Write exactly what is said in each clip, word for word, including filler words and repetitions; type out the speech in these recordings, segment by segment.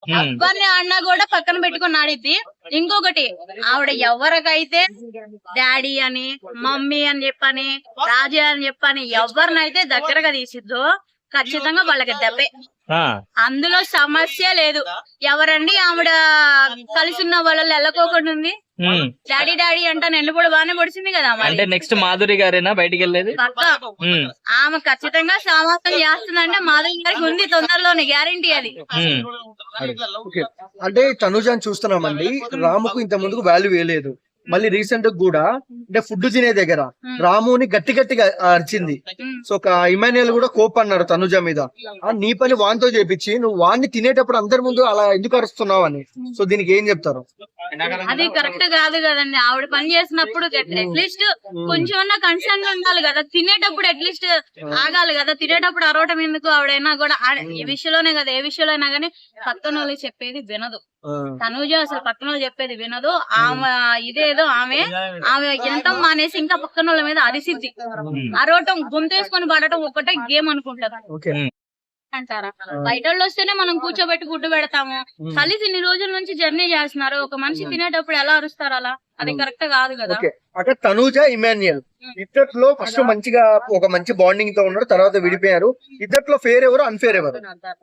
ఎవరిని ఆడినా కూడా పక్కన పెట్టుకుని ఆడిద్ది. ఇంకొకటి ఆవిడ ఎవరికైతే డాడీ అని మమ్మీ అని చెప్పని రాజా అని చెప్పని ఎవరినైతే దగ్గరగా తీసిద్దో ఖచ్చితంగా వాళ్ళకి దెబ్బే. అందులో సమస్య లేదు. ఎవరండి ఆవిడ కలిసి ఉన్న వాళ్ళలో వెళ్ళకోకుండా ఉంది. డాడీ డాడీ అంటే నెల్లు కూడా బాగానే పొడిచింది కదా. అంటే నెక్స్ట్ మాధురి గారేనా బయటికి వెళ్ళేది? ఆమె ఖచ్చితంగా సమాసం చేస్తుందంటే మాధురి గారికి ఉంది తొందరలోనే, గ్యారంటీ అది. అంటే తనుజాని చూస్తున్నామండి, రాముకు ఇంత ముందుకు వాల్యూ వేయలేదు. మళ్ళీ రీసెంట్ కూడా అంటే ఫుడ్ తినే దగ్గర రాముని గట్టి గట్టిగా అరిచింది. సో ఒక ఇమాన్యుయల్ కూడా కోప్ అన్నారు తనుజ మీద. నీ పని వాన్తో చేపించి నువ్వు వాన్ని తినేటప్పుడు అందరి ముందు అలా ఎందుకు అరుస్తున్నావు అని. సో దీనికి ఏం చెప్తారు? అది కరెక్ట్ కాదు కదండి. ఆవిడ పని చేసినప్పుడు అట్లీస్ట్ కొంచెం కన్సర్న్ ఉండాలి కదా. తినేటప్పుడు అట్లీస్ట్ ఆగాలి కదా. తినేటప్పుడు అరవటం ఎందుకు? ఆవిడైనా కూడా ఈ విషయంలోనే కదా, ఏ విషయంలో అయినా గానీ పక్కన వాళ్ళు చెప్పేది వినదు. తనూజ అసలు పక్కన వాళ్ళు చెప్పేది వినదు. ఆమె ఇదేదో ఆమె ఆమె ఎంత మానేసి ఇంకా పక్కన వాళ్ళ మీద అరిసిద్ది. అరవటం గొంతేసుకొని పడటం ఒక్కటే గేమ్ అనుకుంటారు అంటారా? బయట వాళ్ళు వస్తేనే మనం కూర్చోబెట్టి గుడ్డు పెడతాము. కలిసి ఇన్ని రోజుల నుంచి జర్నీ చేస్తున్నారు. ఒక మనిషి తినేటప్పుడు ఎలా అరుస్తారు అలా? అది కరెక్ట్ కాదు కదా. అక్కడ తనూజ ఇమాన్యుయల్ ఇద్దట్లో ఫస్ట్ మంచిగా ఒక మంచి బాండింగ్ తో ఉన్నారు, తర్వాత విడిపోయారు. ఇద్దట్లో ఫేర్ ఎవరు, అన్ఫేర్ ఎవరు?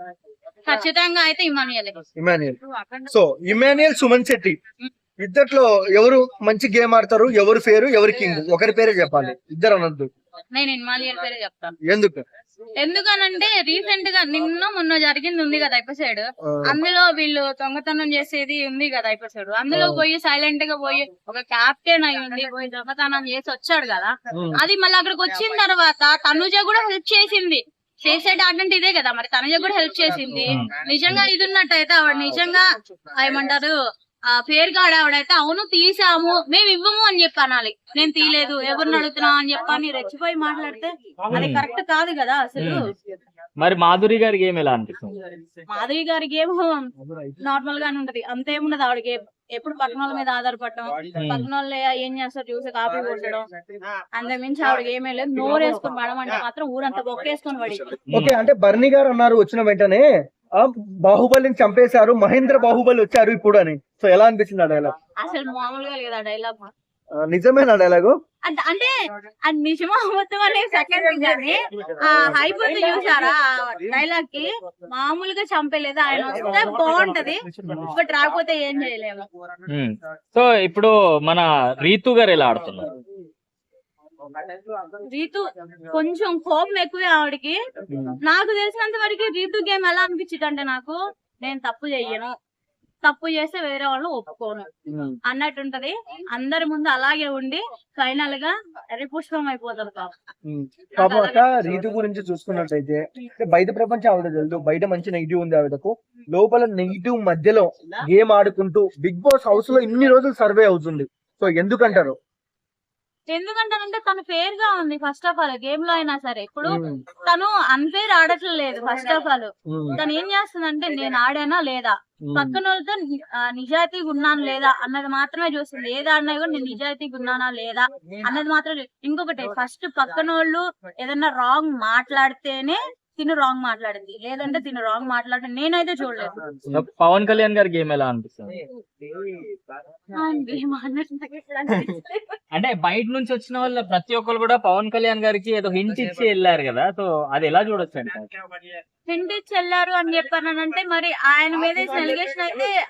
ఖచ్చితంగా అయితే ఇమాన్యుయల్. ఇమాన్యుయల్. సో ఇమాన్యుయల్ సుమన్ శెట్టి ఇద్దట్లో ఎవరు మంచి గేమ్ ఆడతారు, ఎవరు ఫేరు, ఎవరు కింగ్? ఒకరి పేరే చెప్పాలి, ఇద్దరు అనొద్దు. నేను ఇమాన్యుయల్ పేరే చెప్తాను. ఎందుకు? ఎందుకనంటే రీసెంట్ గా నిన్న మొన్న జరిగింది ఉంది కదా ఎపిసోడ్. అందులో వీళ్ళు దొంగతనం చేసేది ఉంది కదా ఎపిసోడ్. అందులో పోయి సైలెంట్ గా పోయి ఒక క్యాప్టెన్ అయి ఉండి పోయి దొంగతనం చేసి వచ్చాడు కదా. అది మళ్ళీ అక్కడికి వచ్చిన తర్వాత తనుజ కూడా హెల్ప్ చేసింది. చేసేట అంటే ఇదే కదా మరి. తనుజ కూడా హెల్ప్ చేసింది. నిజంగా ఇది ఉన్నట్టయితే ఆవిడ నిజంగా ఏమంటారు ఆ పేరు కాడు ఆవిడైతే అవును తీసాము మేము ఇవ్వము అని చెప్పి అనాలి. నేను తీయలేదు ఎవరిని అడుగుతున్నా అని చెప్పని రెచ్చిపోయి మాట్లాడితే అది కరెక్ట్ కాదు కదా అసలు. మరి మాధురి గారి గేమ్ ఎలా అనిపిస్తుంది? మాధురి గారి గేమ్ నార్మల్ గానే ఉంటది, అంతేముండదు ఆవిడ గేమ్. ఎప్పుడు పక్కన వాళ్ళ మీద ఆధారపడటం, పక్కన వాళ్ళు ఏం చేస్తారు చూసి కాపీ కొట్టడం, అంతే మించి ఆవిడ ఏమీ లేదు. నోరు వేసుకొని పడమంటే మాత్రం ఊరంతా బొక్కేసుకొని పడి. ఓకే, అంటే బర్నీ గారు అన్నారు వచ్చిన వెంటనే బాహుబలిని చంపేశారు, మహేంద్ర బాహుబలి వచ్చారు ఇప్పుడు అని. సో ఎలా అనిపించింది ఆ డైలాగ్? అసలు మామూలుగా లేదా డైలాగ్? నిజమేనా డైలాగు? అంటే అది నిజమా మొత్తం అనే సెకండ్ కానీ ఆ హైప్ చూసారా డైలాగ్ కి? మామూలుగా చంపలేదు. ఆయన వస్తే బాగుంటది, బట్ రాకపోతే ఏం చేయలేము. సో ఇప్పుడు మన రీతు గారు ఎలా ఆడుతున్నారు? రీతు కొంచెం కోపం ఎక్కువే ఆవిడకి. నాకు తెలిసినంత వరకు రీతు గేమ్ ఎలా అనిపించింది అంటే, నాకు నేను తప్పు చెయ్యను, తప్పు చేస్తే వేరే వాళ్ళు ఒప్పుకోను అన్నట్టుంటది. అందరి ముందు అలాగే ఉండి ఫైనల్ గా ఎరిపుష్పం అయిపోతారు. కాబట్టి రీతు గురించి చూసుకున్నట్లయితే బయట ప్రపంచం ఆవిడ తెలుసు, బయట మంచి నెగిటివ్ ఉంది ఆవిడకు, లోపల నెగిటివ్ మధ్యలో గేమ్ ఆడుకుంటూ బిగ్ బాస్ హౌస్ లో ఇన్ని రోజులు సర్వే అవుతుంది. సో ఎందుకంటారు? ఎందుకంటానంటే తను ఫేర్ గా ఉంది. ఫస్ట్ ఆఫ్ ఆల్ గేమ్ లో అయినా సరే ఇప్పుడు తను అన్ఫేర్ ఆడట్లేదు. ఫస్ట్ ఆఫ్ ఆల్ తను ఏం చేస్తుందంటే నేను ఆడానా లేదా, పక్కన వాళ్ళతో నిజాయితీగా ఉన్నాను లేదా అన్నది మాత్రమే చూస్తుంది. ఏది ఆడినా కూడా నేను నిజాయితీగా ఉన్నానా లేదా అన్నది మాత్రమే. ఇంకొకటి ఫస్ట్ పక్కన వాళ్ళు ఏదన్నా రాంగ్ మాట్లాడితేనే తిను రాంగ్ మాట్లాడింది, లేదంటే తిను రాంగ్ మాట్లాడి నేనైతే చూడలేదు. పవన్ కళ్యాణ్ గారి గేమ్ ఎలా అనిపిస్తుంది? అంటే బయట నుంచి వచ్చిన వాళ్ళ ప్రతి ఒక్కరు కూడా పవన్ కళ్యాణ్ గారికి ఏదో హింట్ ఇచ్చి వెళ్ళారు కదా. సో అది ఎలా చూడొచ్చు అంటే? హింట్ ఇచ్చి వెళ్ళారు అని చెప్పానంటే మరి ఆయన మీద ఎలిగేషన్ అయితే